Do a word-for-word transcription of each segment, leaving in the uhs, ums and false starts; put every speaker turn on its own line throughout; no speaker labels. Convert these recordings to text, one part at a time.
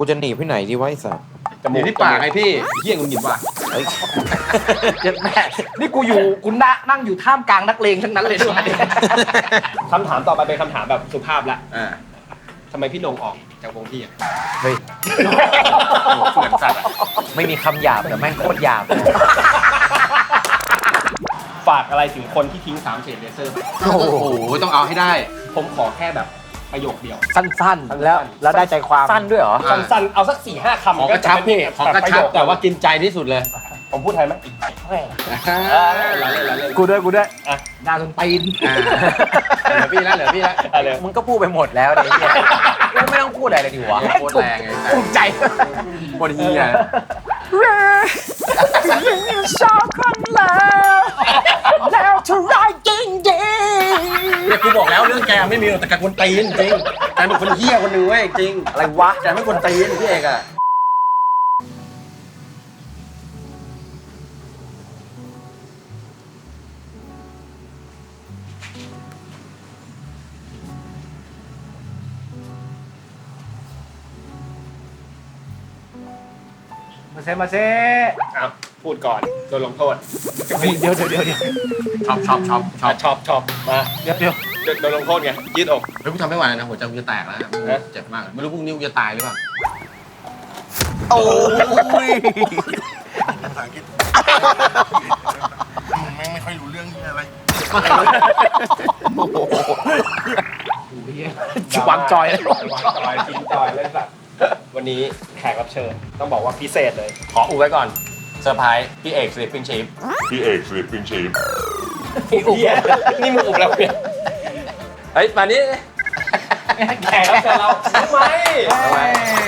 กูจะหนีไปไหนดีวะไอ้สัส
จมูกที่ปากไงพี่เหี้ยงุนหงิดว่ะ
เจ็บแม่นี่กูอยู่กูนั่งอยู่ท่ามกลางนักเลงทั้งนั้นเลยด้วยคำถามต่อไปเป็นคำถามแบบสุภาพละ
อ่า
ทำไมพี่ลงออกจากวงพี่อ่ะ
เฮ้ย
เหมือนสัตว์อะ
ไม่มีคำหยาบแต่แม่งโคตรหยาบ
ฝากอะไรถึงคนที่ทิ้งสามเฉดเลเซอร์
โอ้โหต้องเอาให้ได้
ผมขอแค่แบบประโยคเดียว
สั้นๆ แล้วแล้วได้ใจความ
สั้นด้วยเหรอ
อ่า
สั้นๆเอาสักสี่ห้าคำ
ของกระชับพี่ของกระชับแต่ว่ากินใจที่สุดเลย
ผมพูดไทยไหม
กูด้วยกูด้วย
อ่ะดาจนตีน
อ่าเหลือพี่แล้วเหลือพี่แล้ว
อะไร
มึงก็พูดไปหมดแล้วเดี๋ยวเนี่ยกูไม่ต้องพูดอะไรเลยดีวะ
โคตรแรงไง
ภูมิใจ
โคตรเฮีย
ชอบคนแล้วแล้วเท่าไรจริงจริง
เนี่ยกูบอกแล้วเรื่องแกไม่มีหรอกแต่แกคนตีนจริงแกเป็นคนเฮี้ยคนหนึ่งเว้ยจริง
อะไรวะ
แกไม่คนตีนพี่เอกอะ
มาเซมาเซ
เอาพูดก่อนโดนลงโทษ
เดี๋ยวเดี๋ยวเดี๋ยวเดี๋ยว
ชอบชอบชอบชอบ
ชอบชอบมา
เดี๋ยวเดี๋ยว
โดนลงโทษไงยืดอก
เฮ้ยกูทำไม่ไหวแล้วนะหัวใจกูจะแตกแล้วนะเจ็บมากไม่รู้พรุ่งนี้กูจะตายหรือเปล่า
โอ้ย
แม่งไม่ค่อยรู้เรื่องนี้อะไร
วางจอยแล้ว
วางจอยทิ้งจอยเลยสัตว์วันนี้แขกรับเชิญต้องบอกว่าพิเศษเลย
ขออุบไว้ก่อนเซอร์ไพรส์พี่เอกสลิปปิ้งชีฟ
พี่เอกสลิปปิ้งชีฟ
อุบนี่มึงอุบแล้วเนี่ย
เฮ้ยมานี่
แขกรับเชิญเราทำไม
ทำไม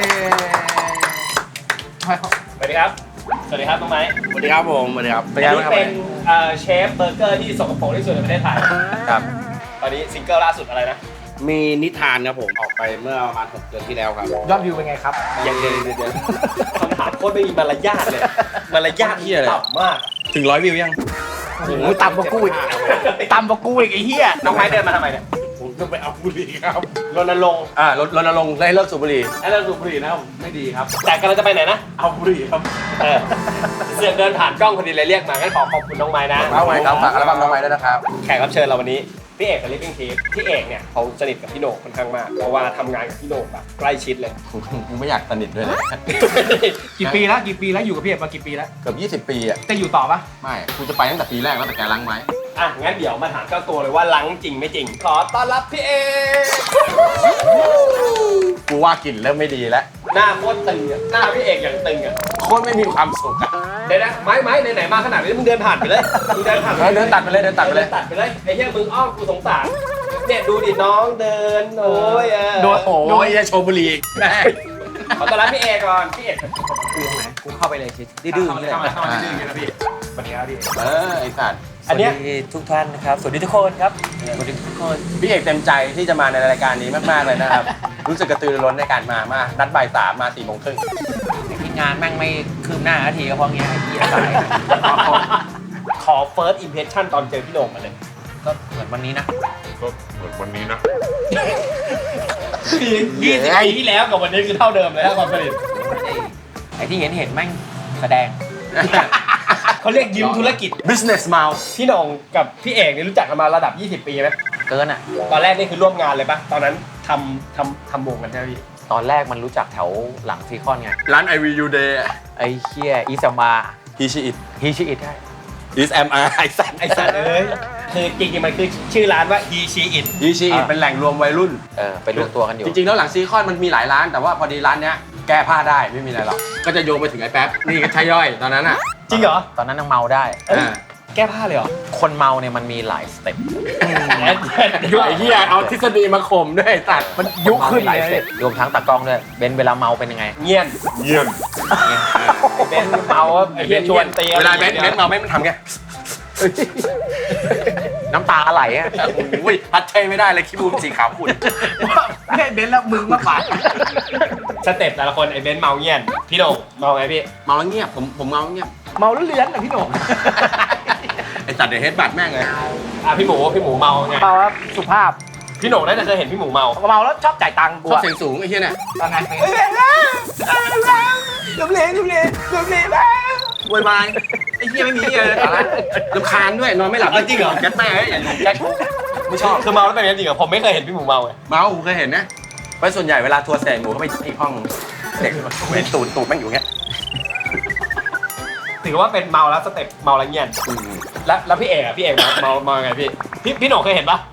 สวัสดีครับ สวัสดีครับน้องไม้
สวัสดีครับผมสวัสดีครับ
อันนี้เป็นเอ่อเชฟเบอร์เกอร์ที่สกปรกที่สุดในประเทศไทย
ครับ
ตอนนี้ซิงเกิลล่าสุดอะไรนะ
มีนิทานครับผมออกไปเมื่อประมาณหกเดือนที่แล้วครับ
ยอดวิวเป็นไงครับ
ยังเดือนเดือน
คำถามโคตรไม่มีมารยาทเลย มารยาท
เหี้ยเลย
ต่ำมาก
ถึงร้อยวิวยัง
โอ้โหต่ำกว่ากูอีกต่ำกว่ากูอีกไอ้เหี้ย
น้องไม้เดินมาทำไมเนี่ย
ผมต้องไปเอาบุหรี่ครับ
รณรงค์
อ่ารณรณรงค์ให้เลิกสูบบุหรี่
ให้เราสูบบุหรี่นะครับไม่ดีครับ แต่กำลังจะไปไหนนะ
เอาบุหรี่ครับ
เออเสือกเดินผ่านกล้องพอดีเลยเรียกมางั้นขอขอบคุณน้องไม้นะ
เอาไว้ครับฝากอัลบั้มน้องไม้ด้วยนะครับ
แขกรับเชิญเราวันนี้พี่เอกกับลิฟวิ่งทีฟพี่เอกเนี่ยเขาสนิทกับพี่โหน่งค่อนข้างมากเพราะว่าทำงานกับพี่โหน่งแบบใกล้ชิดเลย
กูไม่อยากสนิทด้วยเลย
กี่ปีแล้วกี่ปีแล้วอยู่กับพี่เอกมากี่ปีแล้ว
เกือบยี่สิบปีอ่ะ
จะอยู่ต่อปะ
ไม่กูจะไปตั้งแต่ปีแรกแล้วแต่แกล้างไว้
อ่ะงั้นเดี๋ยวมาถามเจ้าตัวเลยว่าลังจริงไม่จริง ขอต้อนรับพี่เอก
กูว่ากลิ่นเริ่มไม่ดีแล้ว
หน้าโคตรตึงอะหน้าพี่เอกอย่างตึงอ่ะ
โคตรไม่มีความสุขอะ
เดี๋ยวนะไม้ไม้ไหนๆมาขนาดนี้มึงเดินผ่านไปเลยมึงเดินผ่าน
เออเดินตัดไปเลยเดินตัดไปเลย
ตัดไปเลยไอ้เหี้ยมึงอ้อมกูสงสารเนี่ยดูดิน้องเดินโอ้ยเออ
โดนโอ้
โอ้ยโชว์บุหรี่อีกแม่
ขอต้อนรับพี่เอกก่อนพี่เอก
กูเข้าไปเลยชิดื้อๆเลย
เข้ามาเข้ามาดื้อๆกันนะพี่สวัสดีครับพี่
เออไอ้สัตว์
อันเนี้ย
สวัสดีทุกท่านนะครับ สวัสดีทุกคนครับ สวัสดีทุกคน
พี่เอกเต็มใจที่จะมาในรายการนี้มากๆเลยนะครับ รู้สึกกระตือรือร้นในการมามากนัดบ่ายสามมาสี่โมงครึ่ง
ที่งานแม่งไม่คืบหน้านาทีก็เพราะเงี้ยไอ้เหี้ยสาย
ขอ first impression ตอนเจอพี่โหน่งมาเลย
ก็เหมือนวันนี้นะ
ก็เหมือนวันนี้นะ
ยี่สิบปีที่แล้วกับวันนี้คือเท่าเดิมเลยครับความสนิท
ไอ้ที่เห็นเห็นแม่งแสดง
เขาเรียกยิ้มธุรกิจ
business mouth
พี่โหน่งกับพี่เอกนี่รู้จักกันมาระดับยี่สิบปีไหม
เกินอ่ะ
ตอนแรกนี่คือร่วมงานเลยปะตอนนั้นทำทำทำวงกันใช่ไหมพี่
ตอนแรกมันรู้จักแถวหลังซีคอนไง
ร้าน I V U Day
ไอ้เคียอีสมา
He She It
ฮีชิอิทใช่
Is Am I ไอ้สัตว์
ไอสัตว์เอ้ยคือจริงๆมันคือชื่อร้านว่า He She It
He She It เป็นแหล่งรวมวัยรุ่น
เออไปรวมตัวกันอยู่
จริงๆแล้วหลังซีคอนมันมีหลายร้าน แต่ว่าพอดีร้านเนี้ยแก้ผ้าได้ไม่มีอะไรหรอก ก็จะโยงไปถึงไอ้แป๊บ นี่ก็ใช่ย่อยตอนนั้นอ่ะ
จริงเหรอ
ตอนนั้นยังเมาได้
เอ้ย
อ่า
แก้ผ้าเลยเหรอ
คนเมาเนี่ยมันมีหลายสเต็ป
แอดแอด
ไอ้เหี้ยเอาทฤษฎีมาข่มด้วยไอ้สัตว์
มันยุคขึ้น
หลาย
เล
สเต็
ย
ปรวมทั้งตากล้องด้วยเบนเวลาเมาเป็นยังไง
เงียบ
เยี่ยม
เนี่ย
เบนเมาว่าไอ้เหี้ยชวนเตีย
เวลาเบนซ์เบนซ์เมาไม่มันทำไง
น้ำตาไหลอ่ะ
โอ้ยพัดเทไม่ได้เลยคิดบูมสีขาวขุ่น
ไม่ให้เบนซ์แล้วมึงมากกว่า
สเต็ปแต่ละคนไอ้เบนเมาเงียบพี่โหน่งเมาไงพี่
เมาแล้วเงียบผมผมเมาแล้วเงียบ
เมาแล้วเลื้อนนะพี่โหน่ง
ไอ้สัตว์เดี๋ยวเฮดบัตแม่งเลย
อ่ะพี่หมูพี่หมูเมาไง
เมาแล้วสุภาพ
พี่โหน่งน่าจะเคยเห็นพี่หมูเมา
เมาแล้วชอบจ่ายตังค์กู
ชอบ
อะ
เสียงสูงไอ้เหี้ยเนี่ย
ตอนไง
ลมเลลมเลลมเลบ้า
โวยวายไอ้เหี้ยไม่มีเหี้ยเลยรำคาญด้วยนอนไม่หลับจริงเหรอแก๊สแม่อย่าอยู่แก๊สไม่ชอบ
คือเมาแล้วเป็นอย่างนี้จริงเหรอผมไม่เคยเห็นพี่หมูเมาไง
เมากูเคยเห็นนะเพราะส่วนใหญ่เวลาทัวร์เสร็จหมูเขาไปที่ห้องเด็กเห็นตูดตูดแม่งอยู่เงี้ย
ถือว่าเป็นเมาแล้วสเต็ปเมาแล้วเงียบแล้วแล้วพี่เอกอะพี่เอกเมาเมาเมาไงพี่พี่พี่หนงเคยเห็นปะ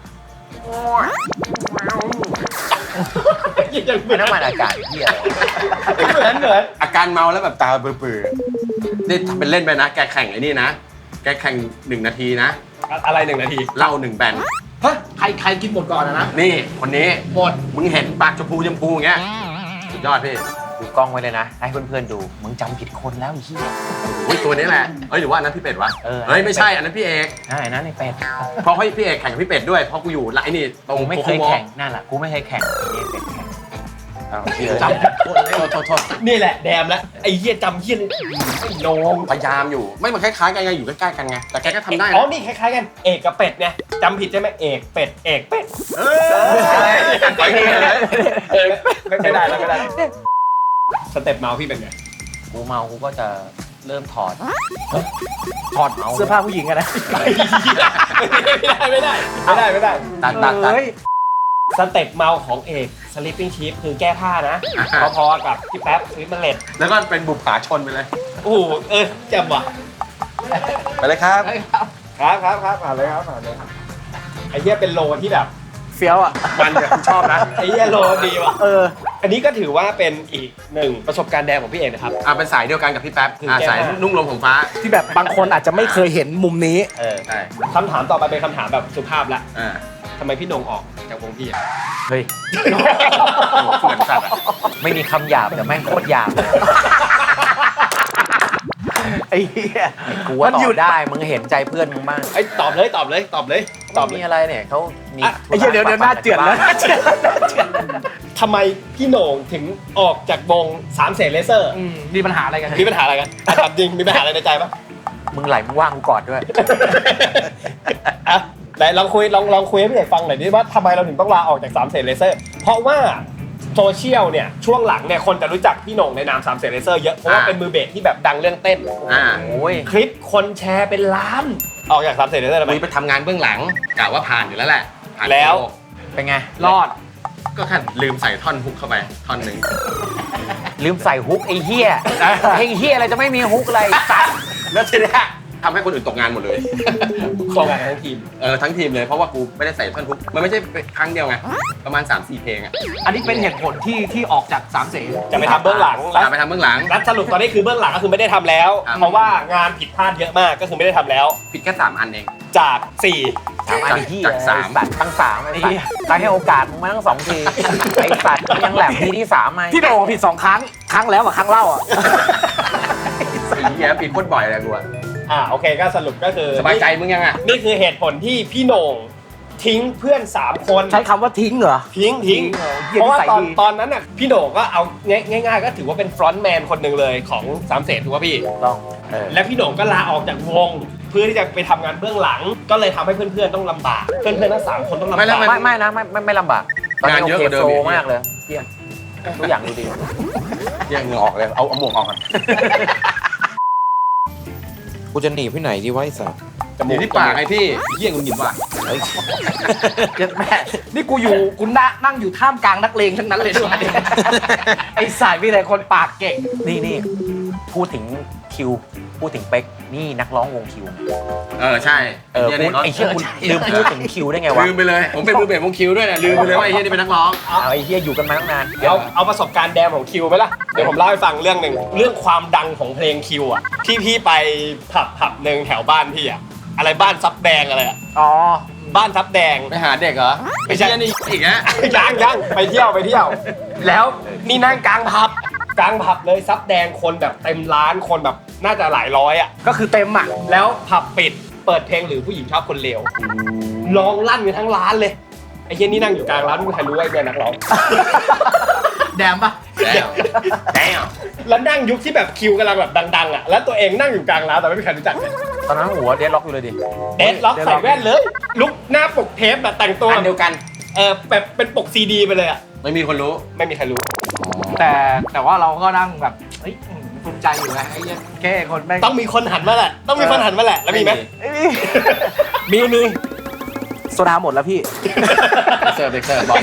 ยังเหมือน
น้ำมันอากาศเหี้ย
เหมือนเหมือน
อาการเมาแล้วแบบตาเบื่อๆนี่ทำเป็นเล่นไปนะแกแข่งไอ้นี่นะแกแข่งหนึ่งนาทีนะ
อะไรหนึ่งนาที
เหล้าหนึ่งแบน
ฮะใครใครกินหมดก่อนนะ
นี่คนนี้
หมด
มึงเห็นปากชมพูชมพูอย่างเงี้ยสุดยอดพี่
ดูกล้องไว้เลยนะ ให้เพื่อนๆดู มึงจำผิดคนแล้วไอ้เหี้ย
อุ้ยตัวนี้แหละเอ้ยหรือว่าอันนั้นพี่เป็ดวะ
เออ
เฮ้ยไม่ใช่อันนั้นพี่เอก
ใช่นั่นไอ้เป็ด
เพราะให้พี่เอกแข่งกับพี่เป็ดด้วยเพราะกูอยู่ไอ้นี่ตรง
กูไม่เคย
โค้
แข่งนั่นแหละกูไม่เคยแข่งนี่เป็ดแข่งเอาเชื่อ
จำ
โทษโทษโทษโทษ
นี่แหละแดมแล้วไอ้เหี้ยจำเหี้ยไอ้โหนง
พยายามอยู่ไม่มันคล้ายๆกันไงอยู่ใกล้ๆกันไงแต่แกก็ทำได้
อ๋อ
นะ
นี่คล้ายๆกันเอกกับเป็ดเนี่ยจำผิดใช่ไหมเอกเป็ดเอกเป็ด
เออไปนี่เลย
เอกไม่ไม่ได้แล้วไม่ได้สเต็ปเมาพี่เป็นไง
กูเมากูก็จะเริ่มถอด
ถอดเสื้อผ้าผู้หญิงกันนะ
ไม่ได้ไม่ได้ไม่ได้ไม่ได้
ตัดตัดตัด
เฮ้ย
สเต็ปเมาของเอก sleeping chief คือแก้ผ้านะ พอๆกับพี่แป๊บสวิตมันเล็ด
แล้วก็เป็นบุปผาชนไปเลย
โอ้โหเออแจ่มว่ะ
ไปเลยครับ
ครับครับครับผ่านเลยครับผ่านเลยไอ้เหี้ยเป็นโลที่แบบ
เฟี้ยวอ่ะ
มันเนี่ยผมชอบนะ
ไอ้เหี้ยโลดีว่ะ
เออ
อันนี้ก็ถือว่าเป็นอีกหนึ่งประสบการณ์แดงของพี่เอกนะครับ
อ่าเป็นสายเดียวกันกับพี่แป๊บ
คือ
อ่า
แก้
สาย
ผ้า
นุ่งลมของฟ้า
ที่แบบบางคนอาจจะไม่เคยเห็นมุมนี้
เออ
ใช่
คำถามต่อไปเป็นคำถามแบบสุภาพละ
อ่า
ทำไมพี่โหนงออกจากวงพี่อะ
เฮ้ย
เหมือนสัตว์อะ
ไม่มีคำหยาบแต่แม่งโคตรหยาบเลย
ไอ้เหี้ย
กูว่า
มัน
ต
หยุ
อ
ด
บได้มึงเห็นใจเพื่อนมึงบ้าง
ไอ้ยตอบเลยตอบเลยตอบเลยต
ต
อ
อ
บบ เล
มี
ย
อะไรเนี่ยเขามี
ไอ้เหี้ยเดี๋ยวเดี๋ยวหน้าเจือนแล้วหน้าเจือนหน้าเจือน
ทำไมพี่โหน่งถึงออกจากวงสามเสนเลเซอร์
อืมมีปัญหาอะไรกัน
มีปัญหาอะไรกันอ่ะถามจริงมีปัญหาอะไรในใจปะ
มึงไหลมึงว่างกูกอดด้วย
อ่ะไหนลองคุยลองลองคุยให้พี่เอกฟังหน่อยดิว่าทำไมเราถึงต้องลาออกจากสามเสนเลเซอร์เพราะว่าโซเชียลเนี่ยช่วงหลังเนี่ยคนจะรู้จักพี่โหน่งในนามสามเสนเลเซอร์เยอะเพราะว่าเป็นมือเบสที่แบบดังเรื่องเต้น
อ่า
โอ้ย
คลิปคนแชร์เป็นล้านออกจากสามเสนเลเซอร์ทำไม
คุยไปทำงานเบื้องหลังกะว่าผ่านอยู่แล้วแหละผ่าน
แล้ว
เป็นไง
รอด
ก็แค่ลืมใส่ท่อนฮุกเข้าไปท่อนหนึ่ง
ลืมใส่ฮุกไอ้เหี้ยเพลงเหี้ยอะไรจะไม่มีฮุกอะไรสัตว์
แล้วทีเนี้ยทำให้คนอื่นตกงานหมดเลย
ตรงกันทั้งทีม
เออทั้งทีมเลยเพราะว่ากูไม่ได้ใส่ท่อนฮุกมันไม่ใช่ครั้งเดียวไงประมาณ สามสี่ เพลงอ่ะ
อันนี้เป็นเหตุผลที่ที่ออกจากสามเสน
จะไปทำเบื้องหลังแล้ว
อ่ะไปทำเบื้องหลัง
แล้วสรุปตอนนี้คือเบื้องหลังก็คือไม่ได้ทำแล้ว
ครับ
เพราะว่างานผิดพลาดเยอะมากก็คือไม่ได้ทำแล้ว
ผิดแค่สามอันเอง
จากสี่
สามอันไอ้เหี้ย
จากสาม
ไอ้สัตว์ตั้งสามไอ้สัตว์ใครให้โอกาสมึงมาทั้งสองทีไอ้สัตว์ยังแหลมทีที่สามไหม
พี่โด่งผิดสองครั้ง ครั้งแล้วกับครั้งเล่าอ่ะ
สีเงี้ยผิดโคตรบ่อยเลยกูอะ
อ่าโอเคก็สรุปก็คือ
สบายใจมึงยังอ่ะ
นี่คือเหตุผลที่พี่โหน่งทิ้งเพื่อนสามคน
ใช้คำว่าทิ้งเหรอ
ทิ้งทิ้ง
เออเหี้ย
เพราะว่า
นิสัย
ตอน
ดี
ตอนนั้นน่ะพี่โหน่งก็เอาง่ายง่ายๆก็ถือว่าเป็นฟรอนต์แมนคนหนึ่งเลยของสามเสนถูกป่ะพี่
ต้องเออ
และพี่โหน่งก็ลาออกจากวง เพื่อที่จะไปทำงานเบื้องหลัง ก็เลยทำให้เพื่อนๆต้องลำบากเพื่อนๆทั้งสามคนต้องลำบาก
ไม่ไม่นะไม่ไม่ไม่ลำบากตอนนี้
งาน
โอ
เยอะ
เค
กว่าเดิม
โฟ
อีก
ล์มากเลยเหี้ยทุกอย่างดูดี
แย่งเหงือออกเลยเอาเอาหมวกออกก่อน
กูจะหนีพี่ไหนดีวะไอ้สัส
อยู่ที่ปากไงพี่เยี่ยงคุณหยิบว่ะ
เจ็ดแม่นี่กูอยู่กูนั่งนั่งอยู่ท่ามกลางนักเลงทั้งนั้นเลยด้วย ไอ้สายมีแต่คนปากเก่ง
นี่นี่พูดถึงคิวพูดถึงเป๊กนี่นักร้องวงคิว
เออใช่
เออ
หี้ย
พู
นี่
ดไอ้เหี้ยคุณลืมพูดถึงคิวได้ไงวะ
ลืมไปเลย ผมเป็นมือเบสวงคิวด้วยนะลืมไปเลยว่าไอ้เฮียนี่เป็นนักร้อง
เอาไอ้เหี้ยอยู่กันมาตั้งนาน
เอาเอาประสบการณ์แดมของคิวไหมล่ะ เดี๋ยวผมเล่าให้ฟังเรื่องหนึ่งเรื่องความดังของเพลงคิวอ่ะที่พี่ไปผับผับหนึ่งแถวบ้านพี่อ่ะอะไรบ้านซับแดงอะไรอ่ะ
อ๋อ
บ้านซับแดง
ไปหาเด็กเหรอ
ไม่ใช่
อ้เหี้ยนี่อีกนะ
ยังยังไปเที่ยวไปเที่ยว แล้วนี่นั่งกลางผับกลางผับเลยซับแดงคนแบบเต็มร้านคนแบบน่าจะหลายร้อยอ่ะ
ก็คือเต็มอ่ะ
แล้วผับปิดเปิดเพลงหรือผู้หญิงชอบคนเลวร้องลั่นกันทั้งร้านเลยไอ้เหี้ยนี่นั่งอยู่กลางร้านไม่มีใครรู้ว่าไอ้เนี่ยนักร้อง
แดมปะ
แล้วแล้ว
แล้วนั่งยุคที่แบบคิวกำลังแบบดังๆอ่ะแล้วตัวเองนั่งอยู่กลางร้านแต่ไม่มีใครรู้จักเลย
ตอนนั้นหัวเดดล็อกอยู่เลยดิ
เดดล็อกใส่แว่นเลย ลุกหน้าปกเทปแบบแต่งตัว
อันเดียวกัน
เออแบบเป็นปกซีดีไปเลยอ่ะ
ไม่มีคนรู้
ไม่มีใครรู้
แต่แต่ว่าเราก็นั่งแบบเฮ้ยภูมิใจอยู่นะไอ้เหี้ยแค่คนแม่ง
ต้องมีคนหันมาแหละ ต้องมีคนหันมาแหละ แล้วมีไหม
มีมีโซดาหมดแล้วพี่
เสิร์ฟเด็กเสิร์ฟบอก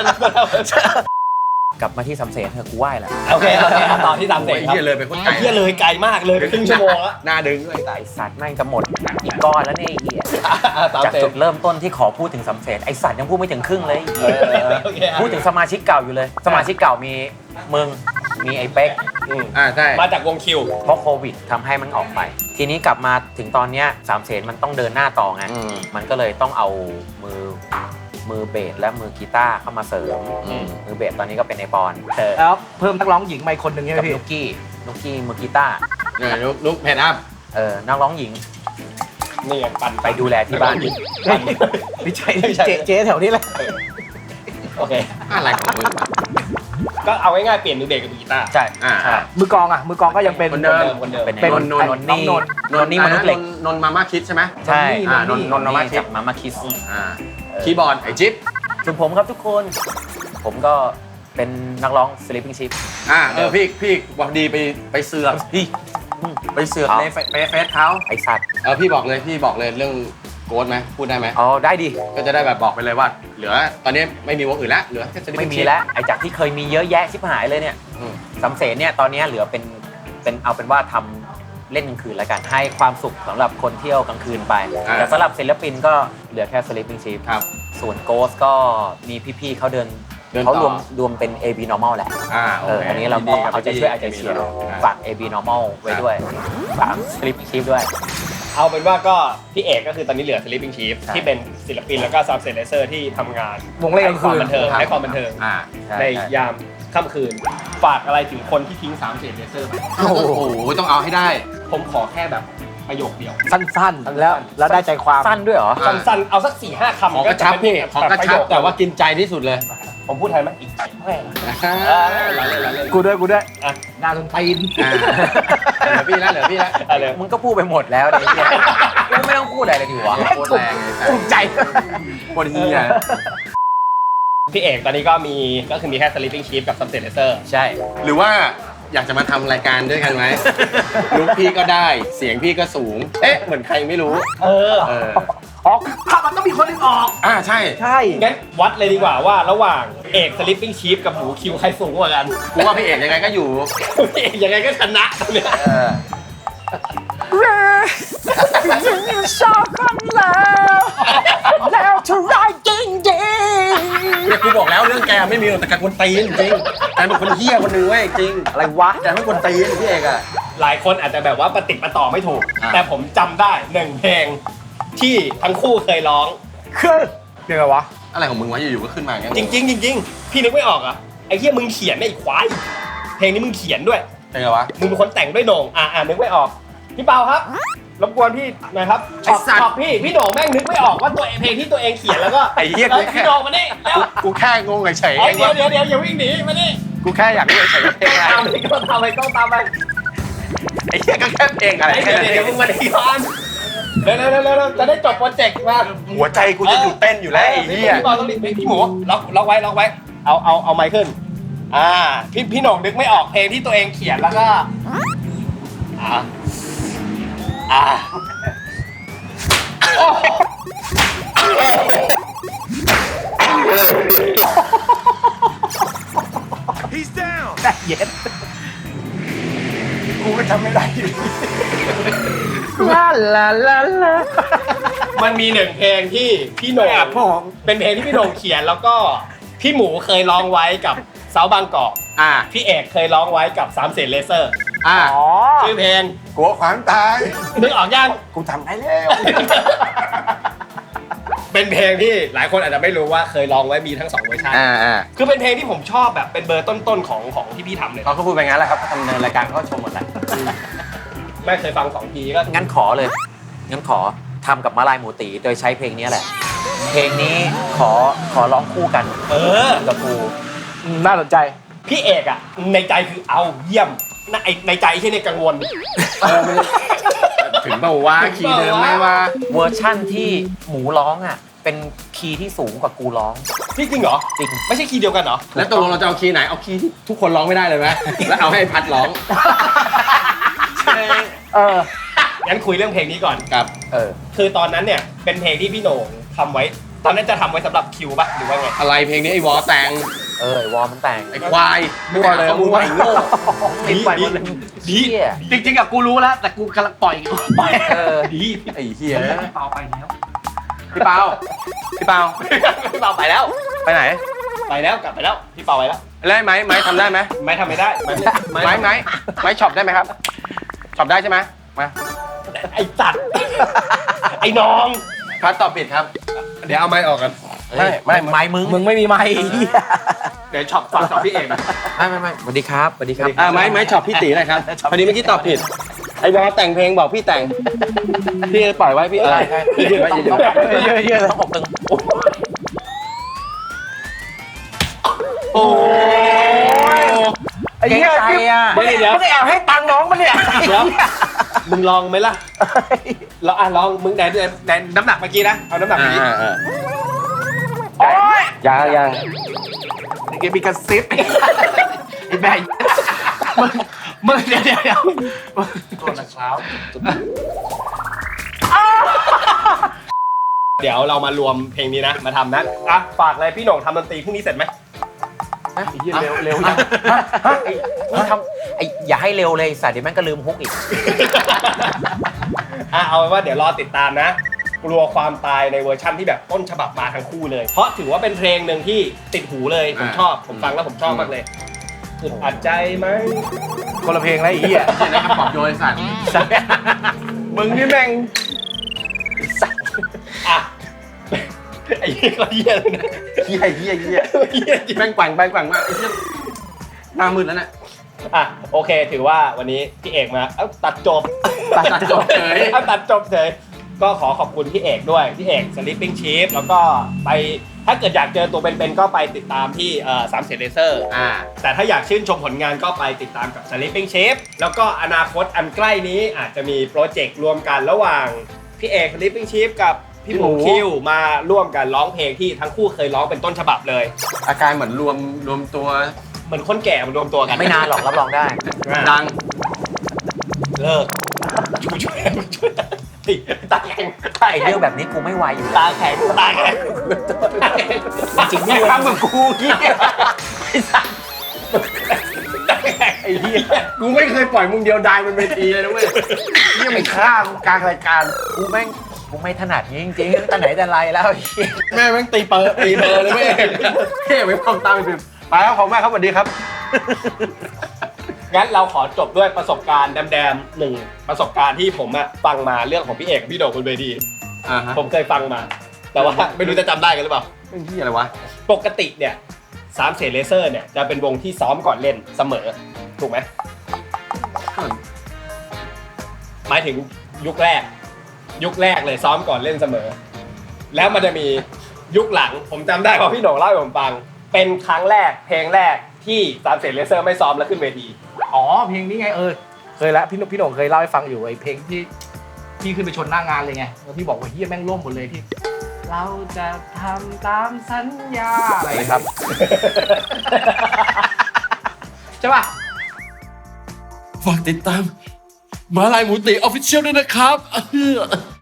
กลับมาที่สำเสนเธอะกูไหว้แหละ
โอเคโอเคต่อที่สามเส
โอ้
ร็
ย
จครับ
เฮียเลยไปโคตรไกล
เฮียเลยไกลมากเลยไปครึ่งชั่วโมงแล้ว
หน้าดึงด้วย
ไอสัตว์แม่งจะหมดอีกก้อนแล้วเนี่ยไอ้เหี้ย
สาม
จาก
เสร็
จุ
จ
ดเริ่มต้นที่ขอพูดถึงสำเสนไอสัตว์ยังพูดไม่ถึงครึ่งเลย
เออโอเค
พูดถึงสมาชิกเก่าอยู่เลย สมาชิกเก่ามีมึงมีไอ้เป๊ก
อืม
อ่าใช่
มาจากวงคิว
เพราะโควิดทำให้มันออกไป ทีนี้กลับมาถึงตอนเนี้ยสามเสนมันต้องเดินหน้าต่อไง
อืม
มันก็เลยต้องเอามือมือเบสและมือกีตาร์เข้ามาเสริม
อืม
มือเบสตอนนี้ก็เป็นไอปอนเออ
แล้วเพิ่มนักร้องหญิงมาอีกคนหนึ่งใช่ไหม
กับ
พี่
นุกกี้นุกกี้มือกีตาร์
เนี่ยลุกลุกเพจอัพ
เออนักร้องหญิง
นี่ไงปั่น
ไปดูแลที่บ้าน
ไม่ใช่เจ๊เจ๊แถวนี้แหละ
โอเค
อะไรของมึง
ก็เอาง่ายๆเปลี่ยนมือเบสกับมือกีตาร์
ใช่
อ่า
ใช่
มือกลองอ่ะมือกลองก็ยังเป็น
คนเดิม
คนเดิม
เป็น
เป็น
นนท์นนท์นนท์นี่
น้องนนท์
นนท์นี่มนุษย์เหล็ก
นนท์มาม่าคิดใช่ไหม
ใช่
อ่านนท์นนท์มาม่าคิด
จากมามาคิส
อ่าคีย์บอร์ดไอจิ๊บ
ส่วนผมครับทุกคน ผมก็เป็นนักร้อง Sleeping Ship
อ่าเออพี่พี่บอกดีไปไปเสือกพี่ไปเสือก
เอา
ในเฟซเฟซเขา
ไอสัตว์
เออพี่บอกเลยพี่บอกเลยเรื่องโกดไหมพูดได้ไหม
อ๋อได้ดิ
ก็จะได้แบบบอกไปเลยว่า เหลือตอนนี้ไม่มีวงอื่นแล้วเหลือแค่ Sleeping
ไม่มี
Ship
แล้วไอจากที่เคยมีเยอะแยะชิบหายเลยเนี่ย
อืม
สำเสนเนี่ยตอนนี้เหลือเป็นเป็นเอาเป็นว่าทำเล่นกลางคืนแล้วกัน ให้ความสุขสำหรับคนเที่ยวกลางคืนไป
อ่า
แต่สำหรับศิลปินก็เหลือแค่ Sleeping Ship
ครับ
ส่วน Ghost ก็มีพี่ๆเขาเดิน
เดินต่อ
เขารวมรวมเป็น เอ บี Normal แหละ
อ่า
เอ
โอ
อ
เค
อันนี้เราก็เอาใจช่วยเอาใจเชียร์ฝาก เอ บี Normal ไว้ด้วยฝาก Sleeping Ship ด้วย
เอาเป็นว่าก็พี่เอกก็คือตอนนี้เหลือ Sleeping Chief
ใช่
ที่เป็นศิลปินแล้วก็ซับเซนเซอร์ที่ทำงาน
วงเล่นกลางคืน
ให้ความบันเทิงให้ความบันเทิง
อ่า
ใช่
ใน
ใช่
ยามค่ำคืน ฝากอะไรถึงคนที่ทิ้งสามเซนเซอร์ไป
โอ้โหต้องเอาให้ได้
ผมขอแค่แบบประโยคเดียว
สั้นๆ แล้วแล้วได้ใจความ
สั้นด้วยเหรอ
อ่า
สั้นๆ เอาสักสี่ห้าคำ
ของกระชับพี่ของกระชับแต่ว่ากินใจที่สุดเลย
ผมพูดไทยไหมอีกแม่ง
อ่า
กูด้วยกูด้วย
อ่ะ
หน้าตนตีน
เหลือพี่แล้วเหลือพี่แล้ว
อะไร
มึงก็พูดไปหมดแล้วเนี่ย กูไม่ต้องพูดอะไรเลยดีวะ
โคตรแรงเลย
ภูมิใจ
โคตรเฮีย
พี่เอกตอนนี้ก็มีก็คือมีแค่ Sleeping Chief กับ ซับเซนเซอร์
ใช่
หรือว่าอยากจะมาทำรายการด้วยกันไหมลุกพี่ก็ได้เสียงพี่ก็สูง เอ๊ะเหมือนใครไม่รู้
เออ
เออ
ออกถ้ามันต้องมีคนหนึงออก
อ่าใช่
ใช่
งั้นวัดเลยดีกว่าว่าระหว่างเอก Sleeping Chief กับหมูคิวใครสูงกว่ากัน
กูว่าพี่เอกยังไงก็อยู่
พี่เอกยังไงก็ชนะตรงเนี้ย
เออ
ชอบกันแล้วแล้วเธอร้ายจริงจริง
เนี่ยกูบอกแล้วเรื่องแกไม่มีหรอกแต่แกคนตีนจริงแกเป็นคนเฮี้ยคนหนึงเว้ยจริง
อะไรวะ
แกไม่คนตีนพี่เอกอะ
หลายคนอาจจะแบบว่าปฏิดประต่อไม่ถูก
อ่า
แต่ผมจำได้หนึ่งเพลงที่ทั้งคู่เคยร้อง
คือเดี๋ยวไงวะ
อะไรของมึงวะอยู่ๆก็ขึ้นมาอย่างเงี้ย
จริงๆจริงๆพี่นึกไม่ออกเหรอ่ะไอ้เหี้ยมึงเขียนไอ้ควายเพลงนี้มึงเขียนด้วย
ใช่ไงวะ
มึงเป็นคนแต่งด้วยโหน่งอ่าอ่านึกไม่ออกพี่เปาครับรบกวนพี่หน่อยครับช็อปช็อปพี่พี่โหน่งแม่งนึกไม่ออกว่าตัวเองเพลงที่ตัวเองเขียนแล้วก็
ไอ้เหี้ย
เอ้
กู
ย
แค่
พี่โหน่งมานี่แล้ว
กูแค่งงเฉยๆ
เอ้ย
เอง
เดี๋ยว
ว่า
เดี๋ยวเดี๋ยวอย่าวิ่งหนีมานี่
กูแค่อยากรู้เฉยๆเพลงอะไร
ตามไปก็ตามไปก็ตามไป
ไอ้เหี้ยก็แค่เพลงอะไร
ไอ้
แค่
เดี๋ยว
นั้นเอ
เดี๋ยว
ง
มึงมาดีก่อนเร็วเร็วเร็วเร็วจะได้จบโปรเจกต์มา
หัวใจกูจะหยุดเต้นอยู่แล้วไอ้เหี้ย
พี่บอลต้องรีบพี่หมูล็อกล็อกไว้ล็อกไว้ เอาเอาเอาไมค์ขึ้น อ่า พี่พี่โหน่งนึกไม่ออกเพลงที่ตัวเองเขียนแล้วก็ อ่า อ่า
แต่เย็น
กูก็จำไม่ได้อยู่
ลาลาลาลา
มันมีหนึ่งเพลงที่พี่โหน่งเป็นเพลงที่พี่โหน่งเขียนแล้วก็พี่หมูเคยร้องไว้กับเซาบางกอก
อ่า
พี่เอกเคยร้องไว้กับสามเสนเลเซอร์
อ่า
อ๋อ
ชื่อเพลง
กลัวความตาย
นึกออกยัง
กูทำได้แล้ว
เป็นเพลงที่หลายคนอาจจะไม่รู้ว่าเคยร้องไว้มีทั้งสองเวอร์ชัน
อ่าอ่า
คือเป็นเพลงที่ผมชอบแบบเป็นเบอร์ต้นๆของของที่พี่ทำเลย
เขาก็พูดไปงั้นแหละครับเขาทำเนินรายการเขาก็ชมหมดแหละ
ไม่เคยฟังสองทีก็
งั้นขอเลย งั้นขอทำกับมาลายหมูตีโดยใช้เพลงนี้แหละ เพลงนี้ขอขอร้องคู่กัน
เออ
กับกู
อืมน่าสนใจ
พี่เอกอ่ะในใจคือเอาเยี่ยมในในใจที่ในกังวล
ถึงเปล่าวะขี่เดิมไหมวะ
เวอร์ชั่นที่หมูร้องอ่ะเป็นคีย์ที่สูงกว่ากูร้อง
พี่จริงเหรอ
จริง
ไม่ใช่คีย์เดียวกันเหรอ
แล้วตกลงเราจะเอาคีย์ไหนเอาคีย์ที่ทุกคนร้องไม่ได้เลยไหมแล้วเอาให้พัดร้อง
เออ
งั้นคุยเรื่องเพลงนี้ก่อน
กับ
เออ
คือตอนนั้นเนี่ยเป็นเพลงที่พี่โหน่งทำไว้ ตอนนั้นจะทำไไว้สำหรับคิวปะหรือว่าไง
อะไรเพลงนี้ไอ้วอแต่ง
เออไอ้วอร์มมันแต่ง
ไอ้ควาย
มั่วเลย
มึง
มั่ว
ไอ้โง่
ติดไปหมดเลย
ดี
เหี้ย
จริงๆอะกูรู้แล้ว แต่กูกำลังปล่อยอยู่ปล่อย
เออ
ดี
ไอ้เหี้ย
พี่เปาไปแล้ว
พี่เปาพี่เปา
พี่เปาไปแล้ว
ไปไหน
ไปแล้วกลับไปแล้ว พี่เปาไปแล้ว
แล้วไม้ไม้ทำได้ไหม
ไม่ทำไม่ได้ไม่ไม่
ไม้ไม้ไม้ช็อปได้ไหมครับช็อปได้ใช่ไหมมา
ไอ้จัด ไอ้น้อง
พัดตอบผิดครับ
เดี๋ยวเอาไม้ออกกัน
เอ้ย
ไม่
ไม้มึง
มึงไม่มีไมค์
เดี๋ยวช็อปฝากช็อปพี่เอง
ไม่ไม่ไม่สวัสดีครับสวัสดีครับ
อ่าไม้ไม้ช็อปพี่ตีหน่อยครับพอดีเมื่อกี้ตอบผิดไอ้วอแต่งเพลงบอกพี่แต่งพี่ปล่อยไว้พี่เออพี่ยืดไว้ยืดไว้
เยอะเยอะต้องอกตึง
โอ้ย
ไอ้เหี้ย
ใจอ่ะ
เดี๋ยวเดี๋ยว
ไม่ได้แอบให้ตังค์น้องมันเนี่ย
เดี๋ยวมึงลองไหมล่ะเราอ่ะลองมึงไหนไหนน้ำหนักเมื่อกี้นะเอาน้ำหนักเมื่อกี้
อ่าอ่า
โอ๊ย
ยังยัง
เดี๋ยวมีกระซิบไอ้แม่มึงมึงเดี๋ยวเดี๋ยวเดี๋ยวตัวละเช้า
เดี๋ยวเรามารวมเพลงนี้นะมาทำนะอ่ะฝากเลยพี่โหน่งทำดนตรีพรุ่งนี้เสร็จไหม
ฮะ
ไอ้เหี้ยเร็วเร็วยัง
ไอ้นี่ทำไอ้อย่าให้เร็วเลยสัตว์เดี๋ยวแม่งก็ลืมฮุกอีก
อ่ะเอาเป็นว่าเดี๋ยวรอติดตามนะ กลัวความตายในเวอร์ชั่นที่แบบต้นฉบับมาทั้งคู่เลย เพราะถือว่าเป็นเพลงหนึ่งที่ติดหูเลยผมชอบผมฟังแล้วผมชอบมากเลยอึดอัดใจไหม
คนละเพลงแล้วไอ้เหี้ย
เดี๋ยวได้คำปลอบโยนไอ้สัตว์
มึงนี่แม่งอ่ะไอ้เหี้ยก็เหี้ยเลยนะ
เหี้ยเหี้ยเหี้ย
เหี้ยจริง
แม่งแกว่งไปแกว่งมาไอ้เหี้ยหน้ามืดแล้วเนี่ย
อ่ะโอเค ถือว่าวันนี้พี่เอกมาเอ้าตัดจบ
ตัดจบเฉย
เอาตัดจบเฉยก็ขอขอบคุณพี่เอกด้วยพี่เอก Sleeping Chief แล้วก็ไปถ้าเกิดอยากเจอตัวเป็นๆก็ไปติดตามที่เอ่อสามเสนเลเซอร์
อ่า
แต่ถ้าอยากชื่นชมผลงานก็ไปติดตามกับ Sleeping Chief แล้วก็อนาคตอันใกล้นี้อาจจะมีโปรเจกต์รวมกันระหว่างพี่เอก Sleeping Chief กับพี่หมู
พี่หมู
คิวมาร่วมกันร้องเพลงที่ทั้งคู่เคยร้องเป็นต้นฉบับเลย
อาการเหมือนรวมรวมตัว
เหมือนคนแก่มารวมตัวกัน
ไม่นานหรอกรับรองได้
ดัง
เลิกช่วยช่วยช่วยตาแข็งตา
ไอ้
แข็
เรื่อง งแบบนี้กูไม่ไหวอยู่แล้ว
ตาแข็งตาแข็ง
จริงๆ
ไม่
ไม่
ทำเหมือนกูเหี้ยไอ้เหี้ย
กูไม่เคยปล่อยมึงเดียวดายบนเวทีเลยนะเว้ย
นี่ไม่ฆ่ากูกลางรายการ
กูแม่งกูไม่ถนัดนี้จริงๆตั้งแต่ไหนแต่ไรแล้วไอ้เหี้ย
แม่แม่งตีเปิดตีเบอร์เลยเว้ยเท่ไม่พร้อมตามไปพิมพ์ไปแล้วขอบคุณมากครับสวัสดีครับ
งั้นเราขอจบด้วยประสบการณ์แดมๆหนึ่งประสบการณ์ที่ผมอะฟังมาเรื่องของพี่เอกกับพี่โด่งบนเวที
อ่าฮะ
ผมเคยฟังมา แต่ว่าไม่รู้จะจำได้กันหรือเปล่า
เรื่องที่อะไรวะ
ปกติเนี่ยสามเสนเลเซอร์เนี่ยจะเป็นวงที่ซ้อมก่อนเล่นเสมอ ถูกไหมหมายถึงยุคแรก ยุคแรกเลยซ้อมก่อนเล่นเสมอ แล้วมันจะมียุคหลังผมจำได้เพราะพี่โหน่งเล่าให้ผมฟัง เป็นครั้งแรกเพลงแรกที่สามเสนเลเซอร์ไม่ซ้อมแล้วขึ้นเวที
อ๋อเพลงนี้ไงเออเคยแล้วพี่หนุ่มพี่หนุ่มเคยเล่าให้ฟังอยู่ไอ้เพลงที่พี่ขึ้นไปชนหน้างานเลยไงแล้วพี่บอกว่าเฮียแม่งล่มหมดเลยที่ เราจะทำตามสัญญาอะไรครับ ใช่ป่ะ
ฝากติดตามมาลายหมูตีออฟฟิเชียลด้วยนะครับ